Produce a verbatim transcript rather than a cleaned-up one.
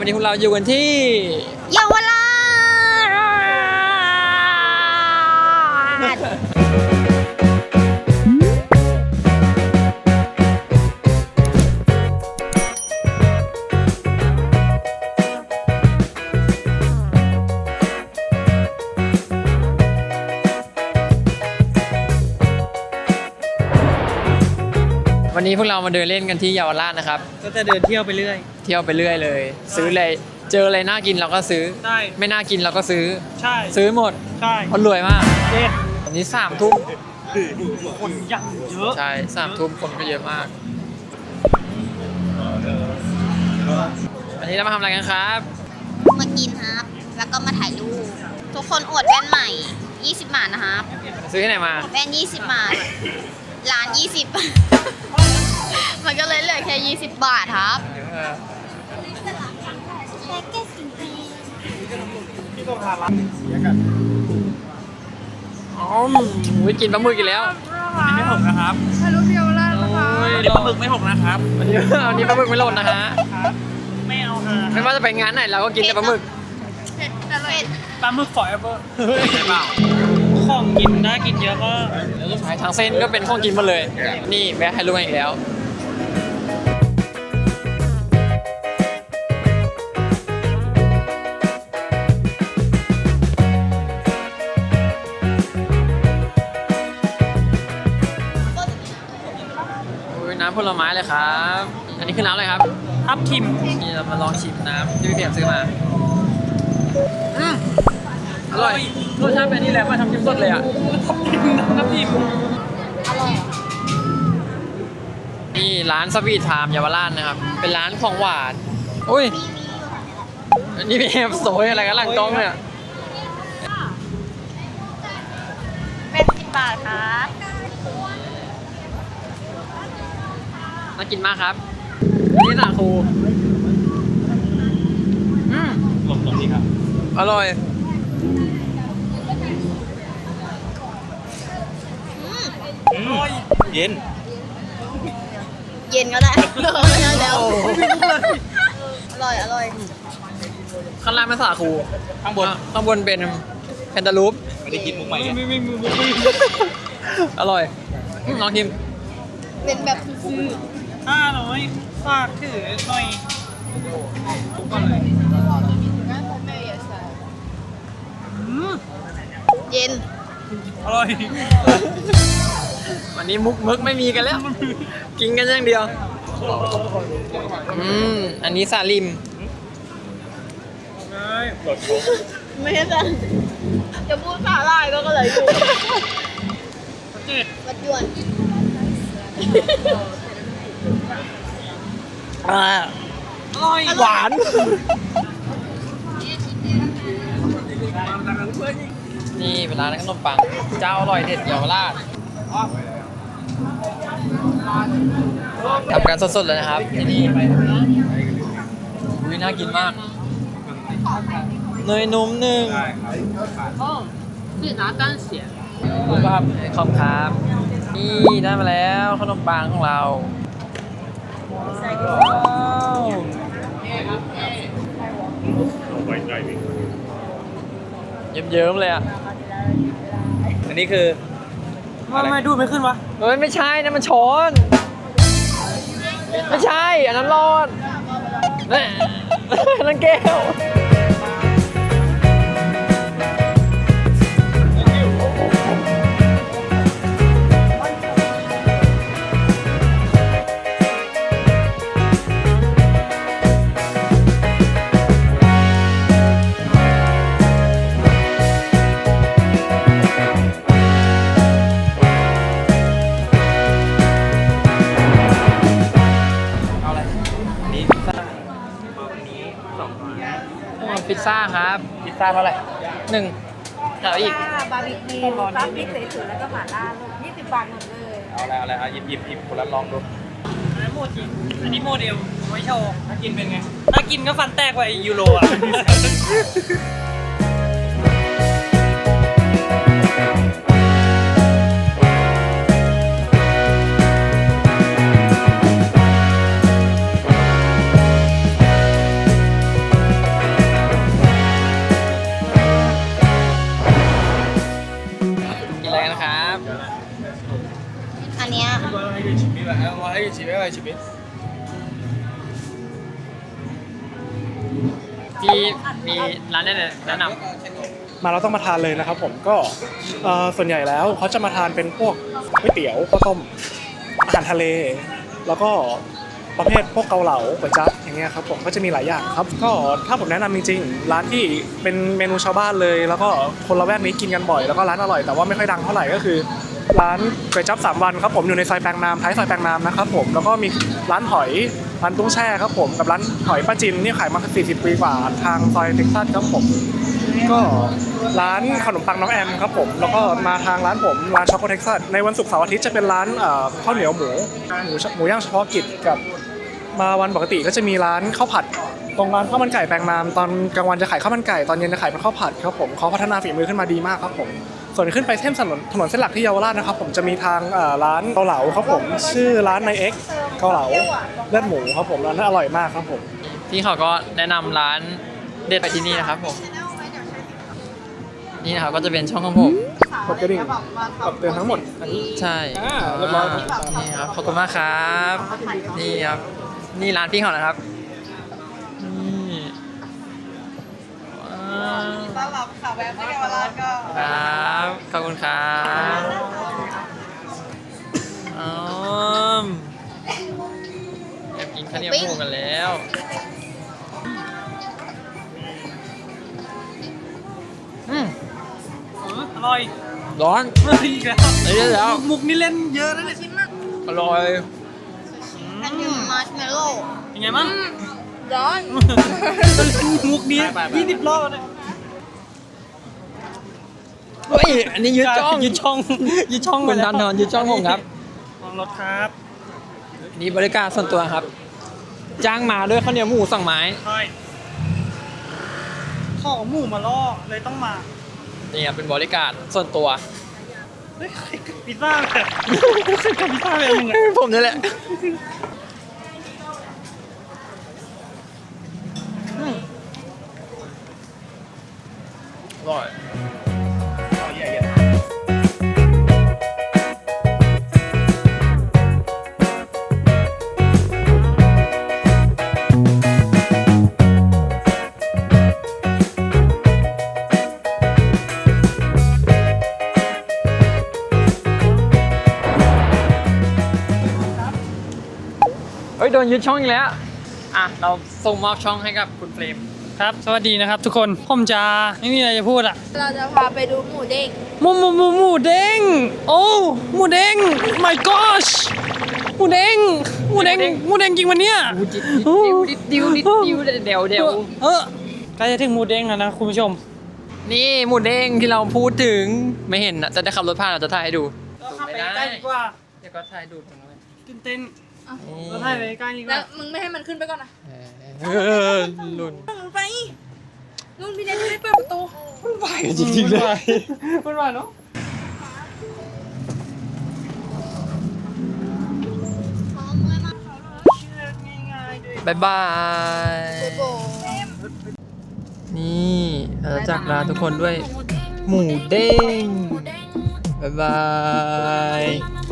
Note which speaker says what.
Speaker 1: วันนี้พวกเราอยู่กันที่
Speaker 2: เยาวราช
Speaker 1: วันนี้พวกเรามาเดินเล่นกันที่เยาวราชนะครับ
Speaker 3: ก็จะเดินเที่ยวไปเรื่อย
Speaker 1: เที่ยวไปเรื่อยเลยซื้ออะไรเจออะไรน่ากินเราก็ซื้อ
Speaker 3: ใช่
Speaker 1: ไม่น่ากินเราก็ซื้อ
Speaker 3: ใช่
Speaker 1: ซื้อหมด
Speaker 3: ใช่
Speaker 1: คนรวยมาก
Speaker 3: เด็ด
Speaker 1: อันนี้สามทุ่ม
Speaker 3: คนยังเยอะ
Speaker 1: ใช่สามทุ่มคนก็เยอะมากวันนี้เรามาทำอะไรกันครับ
Speaker 2: มากินครับแล้วก็มาถ่ายรูปทุกคนอวดแว่นใหม่ยี่สิบบาทนะครับ
Speaker 1: ซื้อที่ไหนมา
Speaker 2: แว่นยี่สิบบาทร้านยี่สิบมันก็เลยเหลือแค่ยี่สิบบาทครับ
Speaker 3: ที่ต้องทานร้านเสียกัน
Speaker 1: อ๋อวิกินปลาหมึกอีกแล้ว
Speaker 3: อันนี้ไม่หกนะครับ
Speaker 2: ถ่ายรูปเดียวแล้วนะคะ
Speaker 3: อันนี้ปลาหมึกไม่หกนะครับ
Speaker 1: วันนี้วันนี้ปลาหมึกไม่หล่นนะฮะ
Speaker 3: ไม่เอาฮะ
Speaker 1: ไม่ว่าจะไปงานไหนเราก็กินแต่ปลาหมึก
Speaker 2: เผ็ดอร่อย
Speaker 3: ปลาหมึก forever ใช่เปล่าของกินน่ากินเยอะก็
Speaker 1: ใช่ทางเส้นก็เป็นของกินหมดเลยนี่แวะให้รู้กันอีกแล้วน้ำผลไม้เลยครับอันนี้คือน้ำอะไรครับ
Speaker 3: ทับทิม
Speaker 1: นี่เรามาลองชิมน้ำที่พี่เพียรซื้อมาอืมอร่อยรสชาติเป็นนี่แหละมาทำจิ้มสดเลยอ่ะ
Speaker 3: ทับทิมทับทิม
Speaker 2: อร่อย
Speaker 1: นี่ร้านสวีทไทม์เยาวราชนะครับเป็นร้านของหวานอุ้ยนี่พี่เอฟโซยอะไรกันหลังกล้องเนี่ย
Speaker 2: เป็นสิบบาทครับ
Speaker 1: น่ากินมากครับนี่สาคูอืม
Speaker 3: หลบหลบนี่ครับ
Speaker 1: อร่อย
Speaker 3: อร่อยเย็น
Speaker 2: เย็นก็ได้แล้วอร่อยอร่อย
Speaker 1: ข้างล่างเป็นสาคู
Speaker 3: ข้างบน
Speaker 1: ข้างบนเป็นแคนตาลูป
Speaker 3: ไม่ได้กินมุกใหม่ไม่ไม่มุกไม่
Speaker 1: อร่อยลองชิม
Speaker 2: เป็นแบบซื่อ
Speaker 3: ห้าร้อยฝากถือหน่อยทุกคนเลย
Speaker 2: เย็น
Speaker 3: อร่อย
Speaker 1: วันนี้มุกมึกไม่มีกันแล้วกินกันอย่างเดียวอืมอันนี้ซาลิม
Speaker 2: ไม่ใช่จ้ะจะพูดสาลายก็เลยอยู่
Speaker 3: จืด
Speaker 2: วัดยวน
Speaker 1: อ่า
Speaker 3: อร่อย
Speaker 1: หวานนี่เป็นร้านขนมปังเจ้าอร่อยเด็ดเยาวราชทำกันสดๆเลยนะครับที่นี่วิน่ากินมากเนยนุ่มหนึ่ง
Speaker 2: คือน้ำกันเสีย
Speaker 1: ดูครับขอบครับนี่ได้มาแล้วขนมปังของเราเยิ้มๆเลยอ่ะ
Speaker 3: อันนี้คือทำไมดูไม่ขึ้นวะ
Speaker 1: เฮ้ยไม่ใช่นะมันช้อนไม่ใช่อันนั้นรอดนั่นแก้วพิซซ่าครับพิซซ่าเท่าไหร่หนึ่งเอาอีก
Speaker 2: บาร์บีคิวซอสพริกสวยๆแล้วก็หม่าล่ายี่สิบบาทหมดเลย
Speaker 3: เอาอะไรเอาอะไรเอาหยิบหยิบหยิบคนละลองดูอันนี้โมจิอันนี้โมเดลไว้โชว์ถ้ากินเป็นไงถ้ากินก็ฟันแตกกว่ายูโรอ่ะ
Speaker 1: อ
Speaker 4: อะไรชีวิต
Speaker 1: พี่มีร้านแนะแนะน
Speaker 4: มาเราต้องมาทานเลยนะครับผมก็เอ่อส่วนใหญ่แล้วเขาจะมาทานเป็นพวกก๋วยเตี๋ยวข้าวต้มอาหารทะเล แล้วก็ประเภทพวกเกาเหลาก๋วยจั๊บอย่างเงี้ยครับผมก็จะมีหลายอย่างครับก็ถ้าผมแนะนำจริงๆร้านที่เป็นเมนูชาวบ้านเลย แล้วก็คนละแวกนี้กินกันบ่อยแล้วก็ร้านอร่อยแต่ว่าไม่ค่อยดังเท่าไหร่ก็คือ ร้านก๋วยจั๊บสามวันครับผมอยู่ในซอยแปลงนามท้ายซอยแปลงนามนะครับผมแล้วก็มีร้านหอยร้านตุ้งแช่ครับผมกับร้านหอยป้าจินนี่ขายมาสี่สิบปีกว่าทางซอยเท็กซัสครับผมก็ร้านขนมปังน้องแอมครับผมแล้วก็มาทางร้านผมร้านช็อกโกเท็กซัสในวันศุกร์เสาร์อาทิตย์จะเป็นร้านเอ่อข้าวเหนียวหมูหมูหมูย่างเฉพาะกิจกับมาวันปกติก็จะมีร้านข้าวผัดตรงร้านข้าวมันไก่แปลงนามตอนกลางวันจะขายข้าวมันไก่ตอนเย็นจะขายเป็นข้าวผัดครับผมเขาพัฒนาฝีมือขึ้นมาดีมากครับผมส่วนขึ้นไปเส้นถนนถนนเส้นหลักที่เยาวราชนะครับผมจะมีทางเอ่อร้านเกาเหลาครับผมชื่อร้านนายเอ็กซ์เกาเหลาเลือดหมูครับผมร้านนั้นอร่อยมากครับผม
Speaker 1: ำพี่เขาก็แนะนำร้านเด็ดไปที่นี่นะครับผมนี่นะครับก็จะเป็นช่องของผม
Speaker 4: กดกระดิ่งกดเตือนทั้งหมดอันนี้
Speaker 1: ใช่
Speaker 4: อ่าเรียบร้อยครับ
Speaker 1: นี่ครับขอบคุณมากครับนี่ครับนี่ร้านพี่เขานะครับนี่ว้าว
Speaker 5: ต้อนรับค่ะแวะมาเยาวราชก็
Speaker 1: ครับขอบคุณครับอ๋อแอบกินข้าวเหนียวหมูกันแล้วอืม
Speaker 3: อร่อย
Speaker 1: ร้อน
Speaker 3: อีกแล้ว
Speaker 1: เอ้ยแล้ว
Speaker 3: มุกนี่เล่นเยอะนะเนี่ย
Speaker 1: อร่อย
Speaker 2: อันนี้มาร์ชเมลโล่
Speaker 3: ยังไงมั่ง
Speaker 2: ร้อน
Speaker 3: มุกนี้ยี่สิบรอบแล้วเนี่ย
Speaker 1: เฮ้ยอันนี้ยืดจ้อง
Speaker 3: ยืดช่องยืดช่อง
Speaker 1: คุณทันทอนยืดจ้องผมครับ
Speaker 3: ลองรถครับ
Speaker 1: นี่บริการส่วนตัวครับ จ้างมาด้วยข้าวเหนียวหมูสองไม้
Speaker 3: ใช่ขอหมูมาล่อเลยต้องมา
Speaker 1: นี่ครับเป็นบริการส่วนตัว
Speaker 3: เฮ้ยพิซซ่าแบบใครกับพิซซ่าแบบมึงอะ
Speaker 1: ผมนี่แหละอืมอร่อย เฮ้ยโดนยึดช่องอีกแล้ว อ่ะ เราส่งมอบช่องให้กับคุณเฟรม
Speaker 3: ครับ สวัสดีนะครับทุกคน ผมจะไม่มีอะไรจะพูดอะ
Speaker 2: เราจะพาไปดูหมูเด้ง
Speaker 3: หมูหมูหมูหมูเด้ง โอ้หมูเด้ง my gosh หมูเด้งหมูเด้งหมูเด้งจริงวันเนี้ย
Speaker 1: ดิดดิดดิวดิดดิวดิดเดวเดว
Speaker 3: เออใกล้จะถึงหมูเด้งแล้วนะคุณผู้ชม
Speaker 1: นี่หมูเด้งที่เราพูดถึงไม่เห็นนะจะได้ขับรถผ่านเราจะถ่ายให้ดู
Speaker 3: เข้าไปใกล้ดีกว่า
Speaker 1: เดี๋ยวก็ถ่ายดูตรงนั้น
Speaker 3: ตื่นเต้นเราถ่ายไปใกล้ดีก
Speaker 2: แล้
Speaker 3: ว่า
Speaker 2: วมึงไม่ให้มันขึ้นไปก่อนนะ
Speaker 1: เออลุ่น
Speaker 2: มึงไปลุงพี่เนทไม่ได้เปิดประตู
Speaker 1: จริงๆเลย
Speaker 3: มันว่าเนาะ
Speaker 1: บายบาย นี่เราจะจากลาทุกคนด้วยหมูเด้งบายบาย